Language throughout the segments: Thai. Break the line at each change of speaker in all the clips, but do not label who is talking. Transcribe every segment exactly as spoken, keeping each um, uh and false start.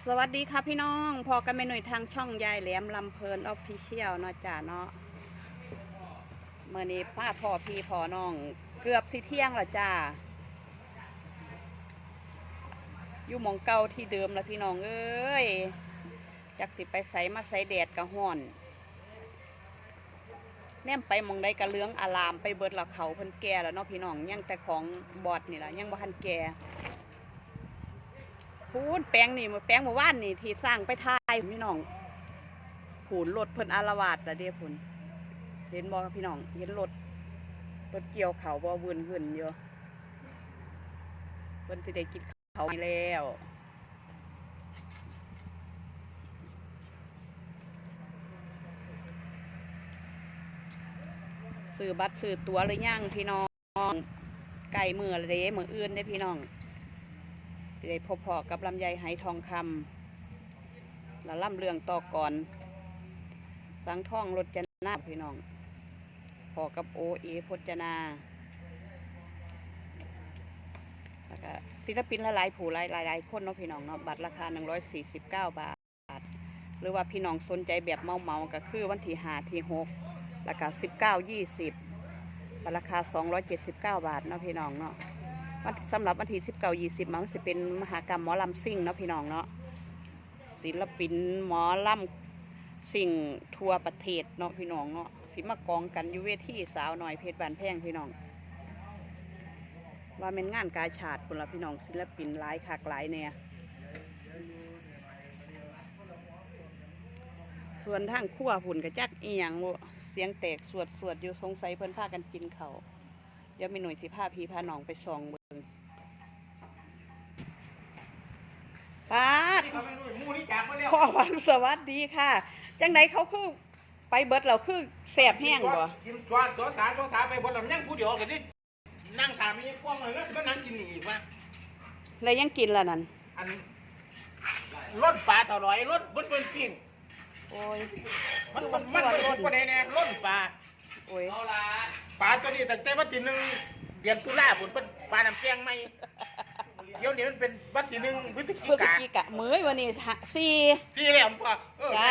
สวัสดีค่ะพี่น้องพอกันไปหน่วยทางช่องยายแหลมลำเพลินออฟฟิเชียลเนาะจ้าเนาะเมื่อนี้ป้าพ่อพี่พ่อน้องเกือบสิเที่ยงแล้วจ้าอยู่หมองเก่าที่เดิมแล้วพี่น้องเอ้ยอยากสิไปใส่มาใส่แดดกะห่อนแนมไปมองได้กระเลื้องอารามไปเบิดละเขาเพิ่นแก่แล้วเนาะพี่น้องยังแต่ของบอดนี่แหละยังบ่ทันแก่พูนแปลงนี่มือแปลงมือว่านนี่ที่สร้างไปทายพี่น้องผูนรถเพิ่นอารวาสแต่เดี๋ยวพุ่นเห็นบ่พี่น้องเห็นรถรถเกี่ยวเขาบ่วุ่นวุ่นอยู่เพิ่นสิได้กินเขาแล้วซื้อบัตรซื้อตั๋วหรือยังพี่น้องไก่มืออะไรมืออื่นได้พี่น้องจะได้พบพอกับลำไยไหทองคำแล้วล่ำเรื่องต่อก่อนสังท่องรถจนาพี่น้องพอกับโอเอพจนาแล้วก็ศิลปินหลายๆผู้หลายหลายคนเนาะพี่น้องเนาะบัตรราคาหนึ่งร้อยสี่สิบเก้าบาทหรือว่าพี่น้องสนใจแบบเมาเมาก็คือวันที่ห้าที่หกราคาสิบเก้ายี่สิบราคาสองร้อยเจ็ดสิบเก้าบาทเนาะพี่น้องเนาะสำหรับวันที่สิบเก้ายี่สิบมันจะเป็นมหากรรมหมอลำซิ่งเนาะพี่น้องเนาะศิลปินหมอลำซิ่งทั่วประเทศเนาะพี่น้องเนาะสิมากองกันอยู่เวทีสาวหน่อยเพชรบานแพงพี่น้องว่าเป็นงานกาชาดคนละพี่น้องศิลปินหลายขากหลายเนี่ยส่วนทางขั้วหุ่นกระจักอีหยังเสียงแตกสวดสวดอยู่สงสัยเพิ่นพากันกินเขาเดี๋ยวมีหน่วยสิพาพี่พาน้องไปส่องเบิ่งป้าพ่อวังสวัสดีค่ะจังไหนเขาคือไปเบิดเราคือแสบแห้งบ่
กินตัวตัวสาตัวสาไปบนลำยังผู้เดียวกันนี่นั่งถามมีกว้างเลยแล้วก็นั่งกินอีกว่า
เลยยังกินละนั่น
อันรถปลาเท่าไรรถบนบนปิ้ง
โอ้ย
มันมันมันรถประเด็นเนี่ยรถปลา
โอ้ย
ปลาตัวนี้ตั้งแต่วันที่หนึ่งเดือนตุลาผมเป็นปลาน้ำแกงไหมเดี๋ยวนี้มันเป็นวันที่หนึ่งพฤศจิ
กามื้อวันนี้สี่
สี่แล้วพ่อ
จ้า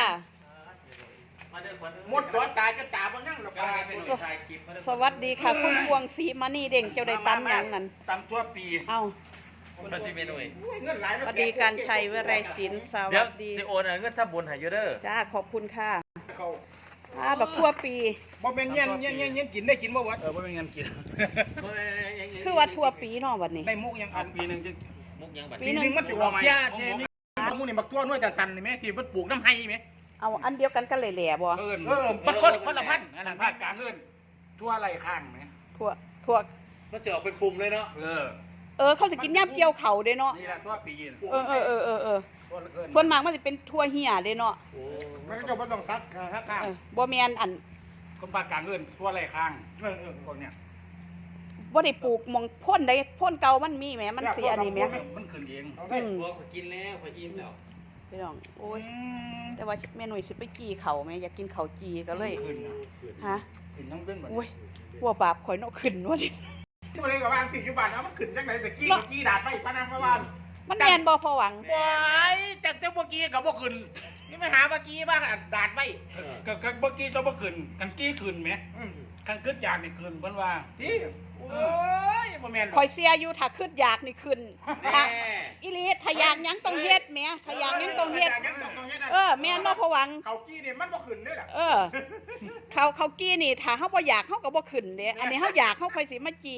หมดตัวตายก็ตาบางอย่างหรอก
สวัสดีค่ะคุณพวงศรีมานีเด่งเจ้าได้ตำอย่างนั้น
ตำตัวปี
เอ้า
คุณที่เมนูเอง
สวัสดีการชัยวิไรศิลป์สวัสดี
เดี๋ยวจะโอนเงินถ้าบนหายเยอะเด้อ
จ้าขอบคุณค่ะอ่าแบบทั่วปี
บ่เป็นเงี้ยเงี้ยเงี้ยเงี้ยกินได้กินบ่วัด
เออบ่เป็นเงี้ยกิน
คือว่าทั่วปีเนาะวันนี้
ได้มุกยังอันปีหนึ่ง
มุกยังบัด
ปีหนึ่งมันจะออกยาเจนี่มุกนี่บักตัวน้อยแต่ตันนี่ไหมที่มันปลูกน้ำไห้ไหม
เอาอันเดียวกันกันเลยแหล่บ่
เออเออมันคนคนละพันอันนั้นภาคกลางเอิ้นทั่วไรข้างไหม
ทั่วทั่ว
มันจะออกเป็นปุ่มเลยเนาะ
เออ
เออเขาจะกินย่ำเกี่ยวเข่าเด้เนาะ
นี่แหละทั่วปี
เออเออเออเออเออส่วนมากมันจะเป็นทั่วเหี่ยเด้เนาะ
มันก็จะต้องซักซักข้าง
บ่แมนอัน
คนภาคกลางเอิ้นทั่วไรข้างเออเออพวกเนี้ย
บ่ได้ปลูกมองพ่นได้พ่นเก่ามันมีแหมมันเสียนี่แหม
มันขึ้นเอง
อืมบ่กินแล้วพออิ่มแล้ว
พี่น้องโอ้ยแต่ว่าแม่หนุ่ยสิไปจีเขาไหมอยากกินเขาจีก็เลยฮะ
ขึ้นต้องเป็นแบบ
โอ้ยหัวบาปข่อยเนาะขึ้นวะนี่
ตัวเองกับวางติดอยู่บ้านเอามันขึ้นจังไหนแต่กี้กี้ดาดไปปานังมาบ้าน
มันแม่นบ่พอหวัง
ว้ายแต่แต่เมื่อกี้กับเมื่อคืนนี่ไม่หาเมื่อกี้บ้างดาดไปกับกับเมื่อกี้จะเมื่อคืนกันกี้คืนไหมกันขึ้นจากนี่คืนเพิ่นว่าที่โอ้ยบ่แม่น
ข่อยเสียอยู่ถ้าขึ้นอยากนี่ขึ้นอีลีถ้าอยากยังต้องเฮ็ดแหมถ้าอยากยังต้องเฮ็ดเออแม่นบ่พอหวัง
เขากี้นี่มันบ่ขึ้นเด้อล่ะ
เออเขาเขากี้นี่ถ้าเฮาบ่อยากเฮาก็บ่ขึ้นเด้อันนี้เฮาอยากเฮาค่อยสิมาจี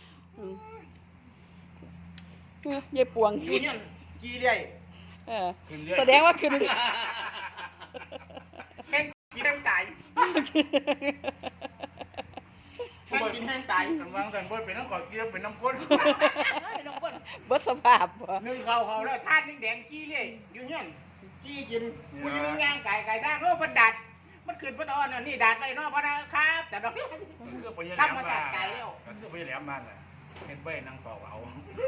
เออยายปวง
กี้เนี่ยกี้เรื่อย
เออแสดงว่าขึ้น
แห้งกินแห้งตายแห้งกินแห้งตายกันวางแต่บ่เป็นน้ำกอดกี้เป็นน้ำข้นน้ำข้น
เบิดสภาพบ่
นึ่งเขาเขาแล้วทาดนิ่งแดงกี้เรื่อยอยู่เนี่ยกี้กินกูจะนึ่งย่างไก่ไก่ย่างโลกมันดัดมันขึ้นมันอ่อนนี่ดัดไปเนาะพอนะครับแต่ดอกทำมาจากไก่แล้ว
ก็คือไปแหลมบ้านน่ะเห็นเบ้นั่งต่อเอา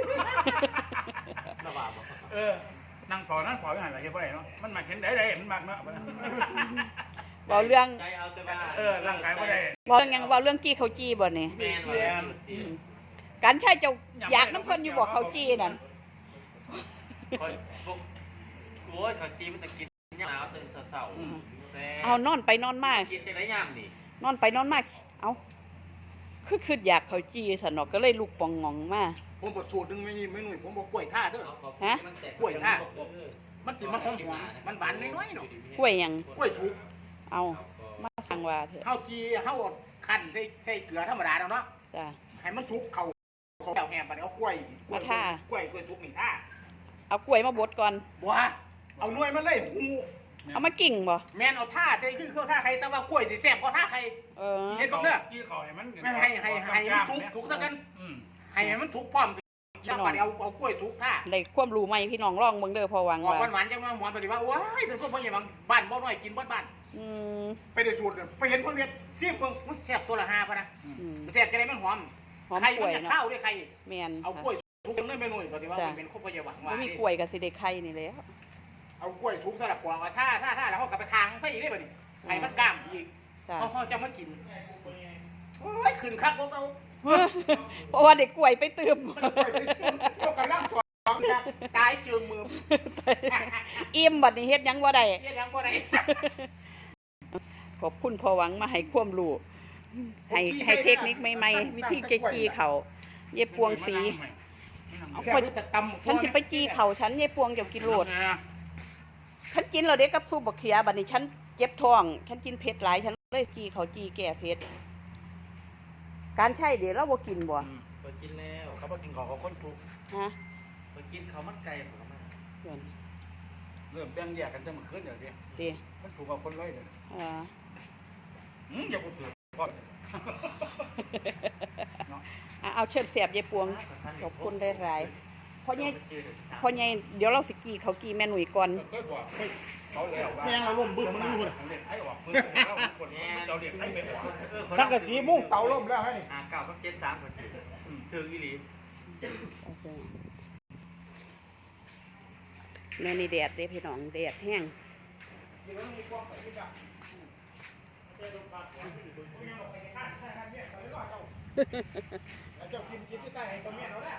เออนั่งต่อนั่งต่ออย่างไรเห็นเบ้เนาะมันมาเห็นได้ได้มันมากเนาะ
บอกเรื่อง
เออร่างกายไม่ได้
บอกยังบอกเรื่องจี้เขาจี้บ่เนี่ยการใช่จะอยากน้ำเพิ่นอยู่บอกเขาจี้นั่น
โอ้ยข้าวจีมันจะกินยามหนาวตื่นเช้าๆแซ่บ
เอานอนไปนอนมา
กินจังได๋ยามนี่
นอนไปนอนมาเอาคือคืออยากเขาจีสนอกก็เลยลูกปองงองมา
ผมบดสูตรหนึงไม่นี่ไม่หนุ่ยผมบอกกล้วยท่าเด้อ
ฮะ
กล้วยท่า มันสิมันหอมหวานมันหวานน้อยๆเนาะ
กล้วยหยัง
กล้วยสุก
เอามาสั่งว่าเถอะ
เฮาจีเฮาคั่นใส่ใส่เกลือธรรมดาแล้วเนาะ
จ้ะ
ให้มันสุกเข้าเข้าแห้งๆบัดนี้เอากล้วยกล้วย
มาท่า
กล้วยกล้วยสุกนี่ท่า
เอากล้วยมาบดก่อน
บ่ฮะเอาหน่วยมันเลยหู
เอามากิ่งบ่
แม่นเอาท่าใส่คือเข้าท่าใครแต่ว่ากล้วยสิแซ่บกว่าท่าใคร
เออ
เฮ็ด บิ่งเด้อ
กี้เขาให้มัน
ไม่ให้ให้ให้มันสุกสุกซะกัน
อืม
ให้มันสุกพร้อมแล้วบัดนี้เอาเอากล้วยสุกท่า
ได้ความรู้ใหม่พี่น้องลองเบิ่งเด้อพอหวัง
หอม
ว่า
หวานๆจังว่าหมอนปฏิว่าโอ้ยเป็นคนพ่อใหญ่บางบ้านบ่น้อยกินเบ่บ้าน
อืม
ไปได้สูตรเนี่ยไปเห็นคนเรียนซีบเบิ่งอุ๊ยแซ่บตัวละห้าพะนะ
อืม
แซ่บจะได้มันหอม
หอม
ไข่
กล้
มั
วน ย
จะ
เนาะ
เข้าด้วยไข่
แม่น
เอากล้วยทุกเลยไม่หน่อยปฏิว่า
จ้ะ
มันเป็นคนพ่อใหญ่หวัง
บ่
ว่า
มี
นี่
กล้วยก็สิได้ไข่นี่แหละ
เอากล้วยทุกสลับกวางว่าถ้าถ้าถ้าแล้วเขากลับไปค้างไปอีกได้บ่นี่ให้มันกล้ามอีก
จ้ะ
เขาเขาจะมากินโอ้ยขึ้นคักพวกเขา
เพราะว่าเด็กกล้วยไปเติม
มันกล้วยไปกินพวกกำลังสอนนะตายเจือมือ
อิ่มบัดนี้เฮ็ดหยังบ่ได้
เฮ็ดหยังบ่ได้
ขอบคุณพอหวังมาให้ความรู้ให้ให้เทคนิคใหม่ๆวิธีเกจีเขาเย็บปวงสี เอา
แซ่
คน
บแต่ตำ
ฉันสิไปจีเขาฉันเย็บปวงเดี๋ยวกินโลดฉันกินแล้วเด็กกับซุปบักเขียบัดนี้ฉันเจ็บท้อง ฉันกินเผ็ดหลายฉันเลยจีเขาจีแก้เผ็ดการใช่เดี๋ยวเราบ่กินบ่
ไปกินแล้ว
เขาบอกกินของเขาคนถูก
ฮะ
ไปกินข้าวมันไก่ผมก็มา
เพื่อน
เริ่มแบ่งแยกกันจะมาขึ้นเดี๋ยวนี้
ดี
มันถูกกับคนร้อยเลย
เออ
อืมอย่าพูดถึงพ่อ
อ่ะเอาเชิญเสียบยายปวงขอบคุณได้หลายๆเพราะไงเพราะไงเดี๋ยวเราสิกีเขากีแม่หนุ่ยก่อน
เคยบอกเขาแล้วว่า
แม่งเราล่มบึ้มมันอยู่
เด็กให้ออกเพื่อนเราเด็กให้ไม่ออก
สังกะสีมุ้งเตาล่มแล้วให้นี่
อ่าเก้ากับเจ็ดสามกับสี่ถึงอีหลี
แม่นี่แดดเด้พี่น้องแดดแห้ง
เจ้ากินกินที่ใต้ให้ตัวเมียเราได้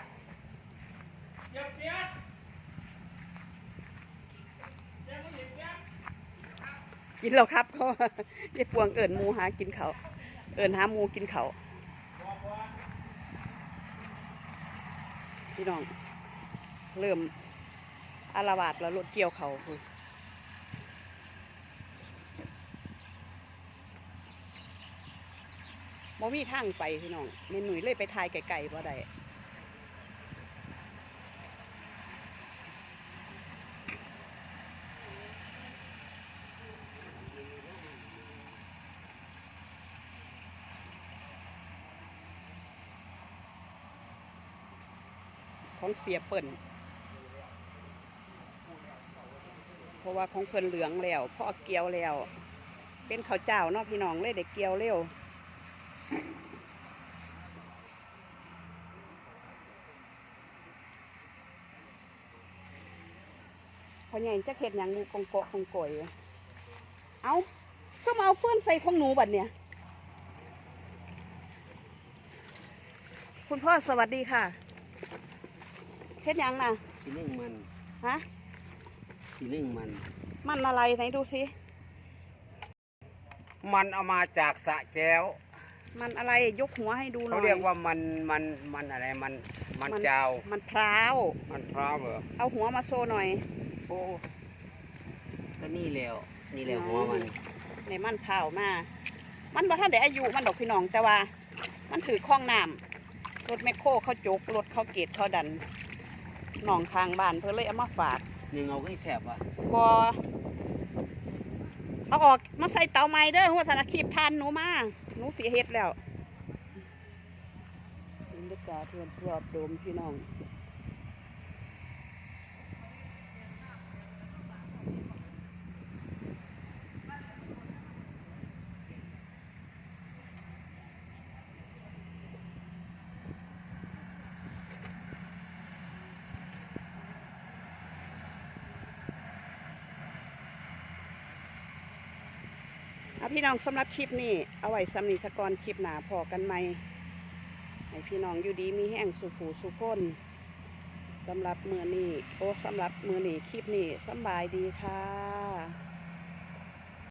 กินแล้วครับเขาว่ายายปวงเอิญมูหากินเขาวเอิญหาหมูกินเขาวพี่น้อง เริ่มอารวาสแล้วรถเกี่ยวเขาคือบ่มีทางไปพี่น้องแม่หนุ่ยเลยไปทายไก่ๆบ่ได้ของเสียเปิ่นเพราะว่าของเพิ่นเหลืองแล้วพ่อเกี่ยวแล้ว เป็นข้าวเจ้าเนาะพี่น้องเลยได้เกี่ยวเร็วพอใหญ่จะเห็ดหยังงูกงโกะกงโกยเอาก็มาเอาเฟื่อนใส่ของหนูบัดเนี่ยคุณพ่อสวัสดีค่ะเฮ็ดหยังน่ะ
สีนึ่งมัน
ฮะ
สีนึ่งมัน
มันอะไรไหนดูสิ
มันเอามาจากสระแก้ว
มันอะไรยกหัวให้ดูหน่อย
เขาเรียกว่ามันมันมันอะไรมันมันเจ้า
มันพร้าว
มันพร้าวเหรอ
เอาหัวมาโซหน่อย
โอ้ก็นี่แล้วนี่แหละหัวมัน
ในมันพร้าวมา มันบ่ทันได้อายุมันดอกพี่น้องแต่ว่า มันถือข้องน้ำรถแมคโครเขาจกรถเขาเกตเขาดันหนองทางบ้านเพื่อเลยเอามาฝาก
หนึ่งเอาก็แสบว่ะ
บอเอาออกมาใส่เตาไม้เด้อหัวสารคีบทานหนูมาหนูเสียเฮ็ดแล้วบรรยากาศรอบรอบโดมพี่น้องเอาพี่น้องสำหรับคลิปนี้เอาไว้สำนีสกรคลิปหนาพอกันไหมให้พี่น้องอยู่ดีมีแห้งสุขูสุขคนสำหรับมือนี้โอ้สำหรับมือนี้คลิปนี้สำบายดีค่ะ